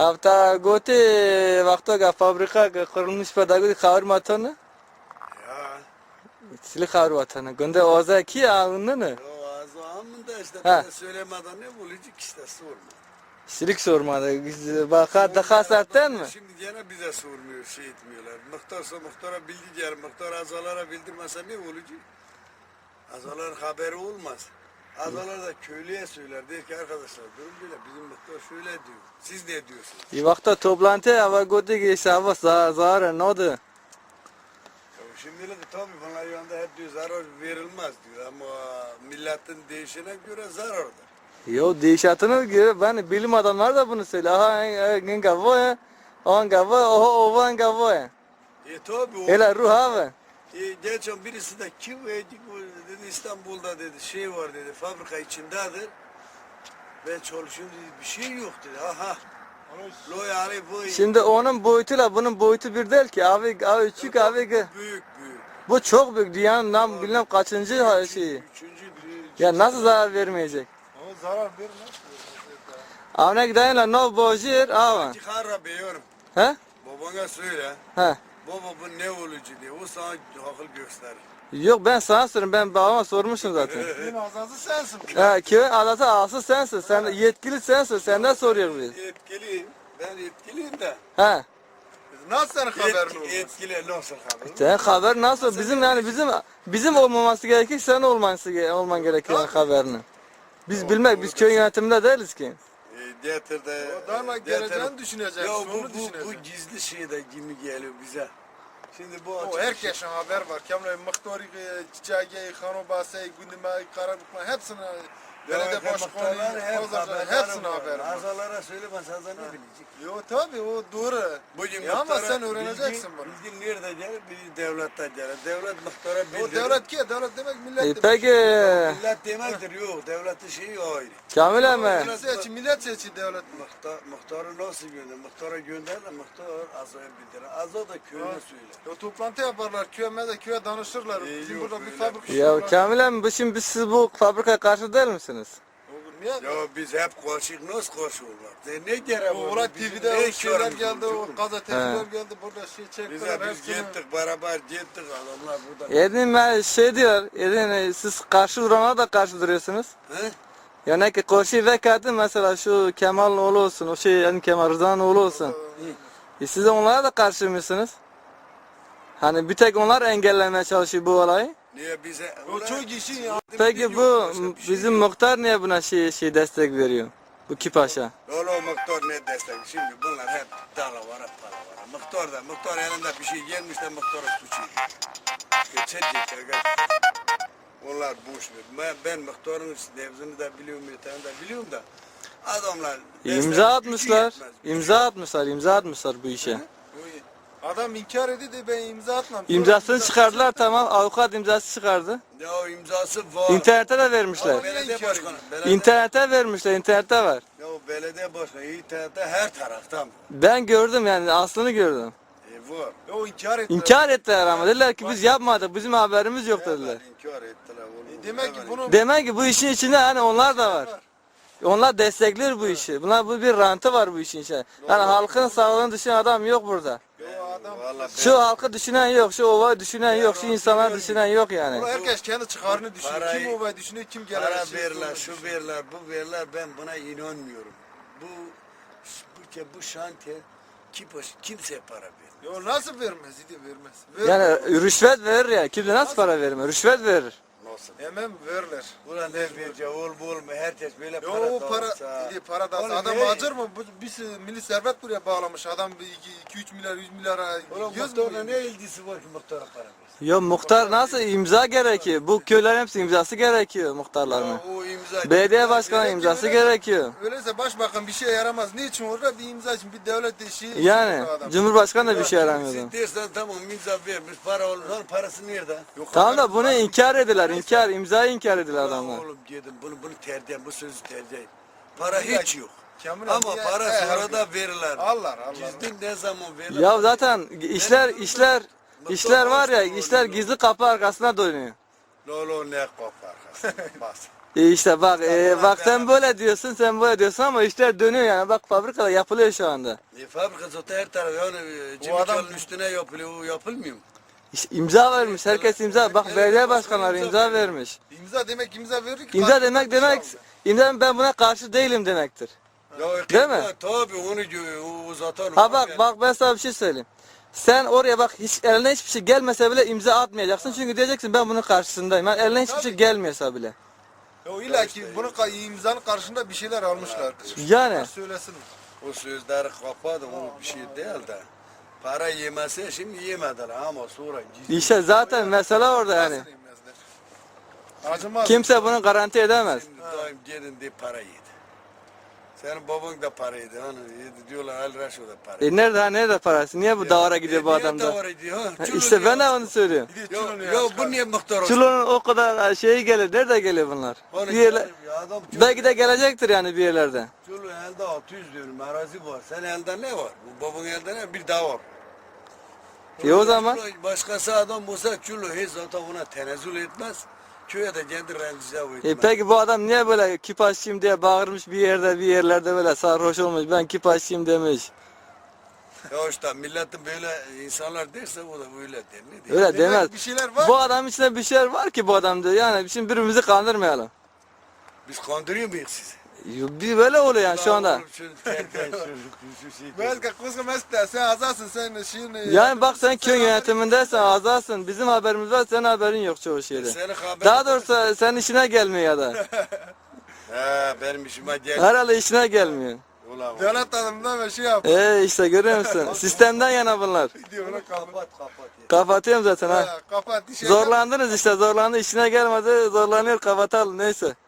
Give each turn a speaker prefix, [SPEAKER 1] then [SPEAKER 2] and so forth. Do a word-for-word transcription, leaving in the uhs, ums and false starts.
[SPEAKER 1] Hafta gote vakti ga fabrika ga kurulmuş pedagoji khabar matana.
[SPEAKER 2] Ya.
[SPEAKER 1] Sili khabar matana. Günde oza ki ağında ne?
[SPEAKER 2] O azamında işte
[SPEAKER 1] Ha.
[SPEAKER 2] söylemeden ne bulacak işte sorma.
[SPEAKER 1] Silik sormadı. Baka daha sertten mi?
[SPEAKER 2] Şimdi gene bize sormuyor, şey etmiyorlar. Muhtarsa muhtara bildi diğer muhtar azalara bildirmese ne olacak? Azaların haberi olmaz. Azalar da köylüye söyler. Der ki arkadaşlar durum böyle bizim muhtar şöyle diyor. Siz ne diyorsunuz?
[SPEAKER 1] İyi vakti toplantı hava gote ki hesabı zara ne oldu?
[SPEAKER 2] Ya şimdi de tabii bunlar yanında hep diyor zarar verilmez diyor ama milletin değişene göre zarardır.
[SPEAKER 1] Yo değişatını göre ben bilim adamlar da bunu söylüyor. Aha en gavo ya. On gavo, oho ovan gavo ya.
[SPEAKER 2] E tabii o.
[SPEAKER 1] Hele ruh abi.
[SPEAKER 2] E, geçen birisi de kim dedi İstanbul'da dedi şey var dedi fabrika içindedir. Ben çalışıyorum dedi bir şey yok dedi. Aha. Lo yani bu.
[SPEAKER 1] Şimdi onun boyutuyla bunun boyutu bir değil ki. Abi abi küçük abi.
[SPEAKER 2] Büyük büyük.
[SPEAKER 1] Bu çok büyük. Dünyanın nam bilmem kaçıncı şeyi.
[SPEAKER 2] Üçüncü büyük.
[SPEAKER 1] Ya nasıl zarar vermeyecek?
[SPEAKER 3] Ama zarar vermez.
[SPEAKER 1] Avne gideyim la no bojir ava.
[SPEAKER 2] Çıkar biliyorum.
[SPEAKER 1] He?
[SPEAKER 2] Babana söyle.
[SPEAKER 1] He.
[SPEAKER 2] Baba bu ne olucu diye. O sana akıl gösterir.
[SPEAKER 1] Yok ben sana sorayım. Ben babama sormuşum zaten.
[SPEAKER 3] Senin azası sensin.
[SPEAKER 1] He köyün adası ağası sensin. Sen yetkili sensin. Senden soruyoruz biz.
[SPEAKER 2] Etkiliyim. Ben etkiliyim de.
[SPEAKER 1] He.
[SPEAKER 3] Nasıl senin haberin
[SPEAKER 2] Etki,
[SPEAKER 3] olmaz?
[SPEAKER 2] etkili nasıl haber?
[SPEAKER 1] Sen haber nasıl? Bizim yani bizim bizim olmaması gerekir. Sen olması olman gerekiyor yani haberini. Biz bilmek biz köy yönetiminde değiliz ki.
[SPEAKER 2] E, Getirde.
[SPEAKER 3] Adamla geleceğini düşüneceksin,
[SPEAKER 2] Ya
[SPEAKER 3] onu
[SPEAKER 2] bu, bu, bu
[SPEAKER 3] düşüneceksin.
[SPEAKER 2] gizli şey de kimi geliyor bize. Şimdi bu
[SPEAKER 3] O
[SPEAKER 2] açık
[SPEAKER 3] herkesin haber var. Kemle muhtarı, çiçeği, hanobası, gündeme, karabukma hepsini belediye başkanı, pazarcı hepsini haber var.
[SPEAKER 2] Azalara söylemez azar ne bilecek?
[SPEAKER 3] Yo tabii o doğru.
[SPEAKER 2] Bugün
[SPEAKER 3] Ya ama
[SPEAKER 2] muhtara
[SPEAKER 3] sen öğreneceksin
[SPEAKER 2] bilgi,
[SPEAKER 3] bunu.
[SPEAKER 2] Bilgi nerede gelir? Bilgi devletten gelir. Devlet muhtara
[SPEAKER 3] O
[SPEAKER 2] bildirir.
[SPEAKER 3] devlet ki devlet demek millet
[SPEAKER 1] E,
[SPEAKER 3] demek.
[SPEAKER 1] peki
[SPEAKER 2] Millet demektir yok. Devletin şeyi ayrı.
[SPEAKER 1] Kamil emmi.
[SPEAKER 3] Millet seçi, millet seçi devlet.
[SPEAKER 2] Muhtar, muhtarı nasıl gönder? Muhtara gönder de muhtar azaya bildirir. Aza da köyüne söyler.
[SPEAKER 3] O toplantı yaparlar, köye de köye danışırlar.
[SPEAKER 2] İyi,
[SPEAKER 3] Bizim
[SPEAKER 2] yok,
[SPEAKER 3] burada bir
[SPEAKER 2] öyle.
[SPEAKER 3] fabrika
[SPEAKER 1] Ya
[SPEAKER 3] var.
[SPEAKER 1] Kamil emmi bu şimdi biz siz bu fabrikaya karşı değil misiniz?
[SPEAKER 3] Olur, niye?
[SPEAKER 2] Ya biz hep karşıyız. Nasıl karşı olmak? Ne, ne gerek
[SPEAKER 3] O
[SPEAKER 2] var?
[SPEAKER 3] olay
[SPEAKER 2] Bizim
[SPEAKER 3] T V'de
[SPEAKER 2] ne
[SPEAKER 3] o şeyler
[SPEAKER 2] işlerimiz
[SPEAKER 3] geldi,
[SPEAKER 2] olacak
[SPEAKER 3] o
[SPEAKER 2] oğlum?
[SPEAKER 3] gazeteciler
[SPEAKER 1] He.
[SPEAKER 3] geldi, burada şey
[SPEAKER 2] Biz
[SPEAKER 3] çektiler
[SPEAKER 2] de biz
[SPEAKER 3] hepsini.
[SPEAKER 2] gittik beraber gittik adamlar burada.
[SPEAKER 1] Edin ben şey diyor, Edin e, siz karşı durana da karşı duruyorsunuz.
[SPEAKER 2] He?
[SPEAKER 1] Yani ki karşı vekati mesela şu Kemal'in oğlu olsun, o şey yani Kemal Rıza'nın oğlu olsun. E siz de onlara da karşı mısınız? Hani bir tek onlar engellemeye çalışıyor bu olayı.
[SPEAKER 2] Niye bize?
[SPEAKER 3] O çok işin ya.
[SPEAKER 1] Peki bu bizim muhtar niye buna şey şey destek veriyor? Bu Kipaş'a.
[SPEAKER 2] Lolo muhtar ne destek? Şimdi bunlar hep dalavara palavara. Muhtar da muhtar elinde bir şey gelmiş de muhtara suçu. Geçecekler. Onlar boş ver. Ben, ben muhtarın nevzini de biliyorum, yeterini de biliyorum da. Adamlar destek
[SPEAKER 1] İmza
[SPEAKER 2] gücü
[SPEAKER 1] atmışlar.
[SPEAKER 2] yetmez.
[SPEAKER 1] İmza atmışlar, imza atmışlar bu işe.
[SPEAKER 3] Adam inkar ediyor de ben imza atmam.
[SPEAKER 1] İmzasını çıkardılar tamam, avukat imzası çıkardı.
[SPEAKER 2] Ya o imzası var.
[SPEAKER 1] İnternete de vermişler.
[SPEAKER 2] Ama belediye başkanı. Belediye,
[SPEAKER 1] İnternete vermişler, internette var.
[SPEAKER 2] ya o belediye başkanı internette her taraftan.
[SPEAKER 1] Ben gördüm yani aslını gördüm.
[SPEAKER 2] E var.
[SPEAKER 3] O inkar etti.
[SPEAKER 1] İnkar ettiler ama dediler ki biz yapmadık, bizim haberimiz yok dediler.
[SPEAKER 2] İnkar ettiler oğlum.
[SPEAKER 3] E demek ki bunu
[SPEAKER 1] Demek ki bu işin içinde hani onlar da var. Onlar destekler bu işi. Bunlar bu bir rantı var bu işin içinde. Yani halkın sağlığını düşünen adam yok burada.
[SPEAKER 3] o adam
[SPEAKER 2] Vallahi
[SPEAKER 1] Şu halkı düşünen yok, şu ovayı düşünen yok, şu insanlar düşünen yok
[SPEAKER 3] Bunu
[SPEAKER 1] yani.
[SPEAKER 3] herkes kendi çıkarını düşünüyor.
[SPEAKER 2] Parayı-
[SPEAKER 3] Kim o düşünüyor, kim gelir.
[SPEAKER 2] para verirler, şu verirler, bu verirler. Ben buna inanmıyorum. Bu bu, bu şantiye kimse, kimseye para vermiyor.
[SPEAKER 3] Yo nasıl vermez idi vermez. Ver,
[SPEAKER 1] Yani rüşvet verir ya. Kimse nasıl para vermiyor? Rüşvet verir.
[SPEAKER 2] Nasıl?
[SPEAKER 3] Hemen verirler.
[SPEAKER 2] Ulan ne verecek oğlum oğlum herkes böyle
[SPEAKER 3] Yo
[SPEAKER 2] para
[SPEAKER 3] o para
[SPEAKER 2] dağıtsa.
[SPEAKER 3] idi para da
[SPEAKER 2] Oğlum
[SPEAKER 3] adam
[SPEAKER 2] ne?
[SPEAKER 3] acır mı? Bu biz milli servet buraya bağlamış. Adam iki üç milyar yüz milyara
[SPEAKER 2] Oğlum
[SPEAKER 3] yüz
[SPEAKER 2] muhtarla
[SPEAKER 3] milyon.
[SPEAKER 2] ne ilgisi var ki muhtara para versin?
[SPEAKER 1] Ya muhtar nasıl imza gerekiyor? Bu köylerin hepsi imzası gerekiyor muhtarların.
[SPEAKER 2] Ya o imza.
[SPEAKER 1] Belediye başkanı
[SPEAKER 3] Gerekli
[SPEAKER 1] imzası
[SPEAKER 3] öyle-
[SPEAKER 1] gerekiyor.
[SPEAKER 3] Öyleyse başbakan bir şeye yaramaz. Niçin orada bir imza için bir devlet işi.
[SPEAKER 1] Yani Cumhurbaşkanı da bir şey yaramıyordu.
[SPEAKER 2] Siz dersen tamam imza vermiş para olur. Lan parası nerede? Yok.
[SPEAKER 1] Tamam da bunu inkar ediler, inkar, imzayı inkar ediler adamlar.
[SPEAKER 2] Oğlum dedim bunu bunu tercih bu sözü tercih. Para hiç yok.
[SPEAKER 3] Kamil
[SPEAKER 2] Ama
[SPEAKER 3] abi,
[SPEAKER 2] para
[SPEAKER 3] e,
[SPEAKER 2] sonra
[SPEAKER 3] her
[SPEAKER 2] da
[SPEAKER 3] gün.
[SPEAKER 2] verirler.
[SPEAKER 3] Allah Allah.
[SPEAKER 2] Gizli ne zaman verirler?
[SPEAKER 1] Ya zaten işler, işler, işler var ya, işler gizli kapı arkasına dönüyor.
[SPEAKER 2] Lolo ne kopar. Bas.
[SPEAKER 1] E işte bak e, bak sen böyle diyorsun sen böyle diyorsun ama işler dönüyor yani bak fabrikada yapılıyor şu anda.
[SPEAKER 2] E, fabrika zaten her taraf yani e,
[SPEAKER 3] O adam-
[SPEAKER 2] Cimikalı'nın üstüne yapılıyor, o yapılmıyor mu?
[SPEAKER 1] İşte imza vermiş herkes imza bak belediye başkanları imza vermiş.
[SPEAKER 3] İmza demek imza verir ki.
[SPEAKER 1] İmza
[SPEAKER 3] karşılığında
[SPEAKER 1] demek
[SPEAKER 3] bir şey
[SPEAKER 1] demek
[SPEAKER 3] almıyor.
[SPEAKER 1] imza ben buna karşı değilim demektir.
[SPEAKER 2] Ya,
[SPEAKER 1] Değil mi?
[SPEAKER 2] ya, tabii onu diyor, o zaten.
[SPEAKER 1] Ha bak bak ben sana bir şey söyleyeyim. Sen oraya bak hiç eline hiçbir şey gelmese bile imza atmayacaksın çünkü diyeceksin ben bunun karşısındayım. Yani eline hiçbir şey
[SPEAKER 3] Tabii.
[SPEAKER 1] gelmiyorsa bile.
[SPEAKER 3] Ya illa ki bunun ka- imzanın karşında bir şeyler almışlar.
[SPEAKER 1] Yani.
[SPEAKER 3] Söylesin.
[SPEAKER 2] O sözleri kapadı, o bir şey değil de. Para yemese şimdi yemediler ama sonra gizli.
[SPEAKER 1] İşte zaten mesele orada yani.
[SPEAKER 3] Nasıl yemezler? Acımaz.
[SPEAKER 1] Kimse bunu garanti edemez.
[SPEAKER 2] Şimdi daim gelin diye para yedi. Senin baban da para yedi, hani yedi diyorlar Ali Raşo da para yedi.
[SPEAKER 1] E nerede ha nerede parası? Niye bu davara gidiyor bu
[SPEAKER 2] Niye
[SPEAKER 1] adam da?
[SPEAKER 2] davara gidiyor, ha? Çulun
[SPEAKER 1] İşte ben de
[SPEAKER 2] ya.
[SPEAKER 1] onu söylüyorum.
[SPEAKER 3] Bir de
[SPEAKER 2] Yo,
[SPEAKER 3] çulunu
[SPEAKER 2] yo
[SPEAKER 3] yapar.
[SPEAKER 2] bu niye muhtar olsun?
[SPEAKER 1] Çulunun o kadar şeyi gelir. Nerede geliyor bunlar?
[SPEAKER 2] Onu
[SPEAKER 1] Bir yerler,
[SPEAKER 2] ya adam çulun-
[SPEAKER 1] belki de gelecektir yani bir yerlerde.
[SPEAKER 2] Çulun elde altı yüz diyorum arazi var. Senin elde ne var? Bu babanın elde ne? Bir dağ var.
[SPEAKER 1] E o zaman
[SPEAKER 2] Çulu, başkası adam olsa Çulu hiç zaten ona tenezzül etmez. Köye de kendi rencize etmez.
[SPEAKER 1] e peki bu adam niye böyle kipaşçıyım diye bağırmış bir yerde bir yerlerde böyle sarhoş olmuş ben kipaşçıyım demiş.
[SPEAKER 2] Ya işte milletin böyle insanlar derse o da öyle der. Ne der?
[SPEAKER 1] Öyle
[SPEAKER 3] Demek
[SPEAKER 1] demez.
[SPEAKER 3] bir şeyler var.
[SPEAKER 1] Bu adam içinde bir şeyler var ki bu adamda yani şimdi birbirimizi kandırmayalım.
[SPEAKER 2] Biz kandırıyor muyuz sizi?
[SPEAKER 1] Bir böyle oluyor yani şu anda.
[SPEAKER 2] Oğlum şunu terbiye çocuk, şu şey der.
[SPEAKER 3] Belki kızım mesela sen azalsın sen şeyini.
[SPEAKER 1] Yani bak sen köy yönetimindesin azalsın bizim haberimiz var senin haberin yok çoğu şeyde.
[SPEAKER 2] Senin haberin
[SPEAKER 1] Daha doğrusu senin işine gelmiyor ya da.
[SPEAKER 2] He benim işime gel.
[SPEAKER 1] Herhalde işine gelmiyor.
[SPEAKER 2] Ulan
[SPEAKER 3] Devlet adamından ve şey yap.
[SPEAKER 1] Ee işte görüyor musun? Sistemden yana bunlar.
[SPEAKER 3] Diyor ona kapat.
[SPEAKER 2] kapat kapat. ya.
[SPEAKER 1] Kapatıyorum zaten ha.
[SPEAKER 3] Ha, kapat. işe
[SPEAKER 1] Zorlandınız işte zorlandı işine gelmedi zorlanıyor kapatalım neyse.